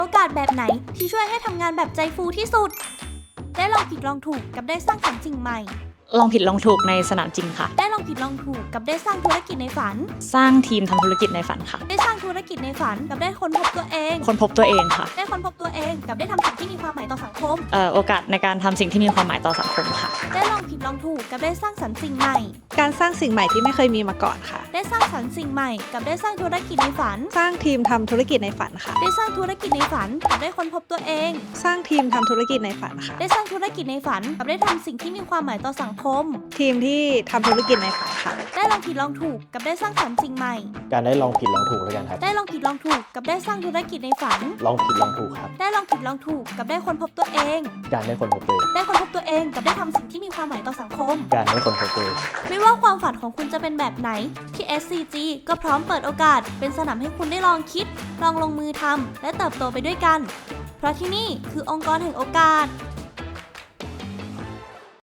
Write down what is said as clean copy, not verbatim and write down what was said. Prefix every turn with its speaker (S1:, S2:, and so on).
S1: โอกาสแบบไหนที่ช่วยให้ทำงานแบบใจฟูที่สุดได้ลองผิดลองถูกกับได้สร้างสรรค์สิ่งใหม่
S2: ลองผิดลองถูกในสนามจริงค่ะ
S1: ได้ลองผิดลองถูกกับได้สร้างธุรกิจในฝัน
S2: สร้างทีมทำธุรกิจในฝันค่ะ
S1: ได้สร้างธุรกิจในฝันกับได้ค้นพบตัวเอง
S2: ค้นพบตัวเองค่ะ
S1: ได้ค้นพบตัวเองกับได้ทำสิ่งที่มีความหมายต่อสังคม
S2: โอกาสในการทำสิ่งที่มีความหมายต่อสังคมค่ะ
S1: ได้ลองผิดลองถูกกับได้สร้างสรรค์สิ่งใหม่
S3: การสร้างสิ่งใหม่ที่ไม่เคยมีมาก่อนค่ะ
S1: ได้สร้างสรรค์สิ่งใหม่กับได้สร้างธุรกิจในฝัน
S3: สร้างทีมทำธุรกิจในฝันค่ะ
S1: ได้สร้างธุรกิจในฝันกับได้ค้นพบตัวเอง
S3: สร้างทีมทำธุรกิจในฝันค่ะ
S1: ได้สร้างธุรกิจในฝันกับได้ทำสิ่งที่มีความหมายต่อสังคม
S3: ทีมที่ทำธุรกิจในฝันค่ะ
S1: ได้ลองผิดลองถูกกับได้สร้างสรรค์สิ่งใหม่
S4: การได้ลองผิดลองถูกแล้วกันครับ
S1: ได้ลองผิดลองถูกกับได้สร้างธุรกิจในฝัน
S4: ลองผิดลองถูกครับ
S1: ได้ลองผิดลองถูกกับได้ค้นพบตัวเอง
S4: การได้คนพบตัวเอง
S1: ได้ค้นพบตัวเองกับได้ทำสิ่งที่มีความหมายต่อสังคม
S4: การได้คนพบตัวเอง
S1: ไม่ว่าความฝันของคุณจะเป็นแบบไหนที่ SCG ก็พร้อมเปิดโอกาสเป็นสนามให้คุณได้ลองคิดลองลงมือทำและเติบโตไปด้วยกันเพราะที่นี่คือองค์กรแห่งโอกาส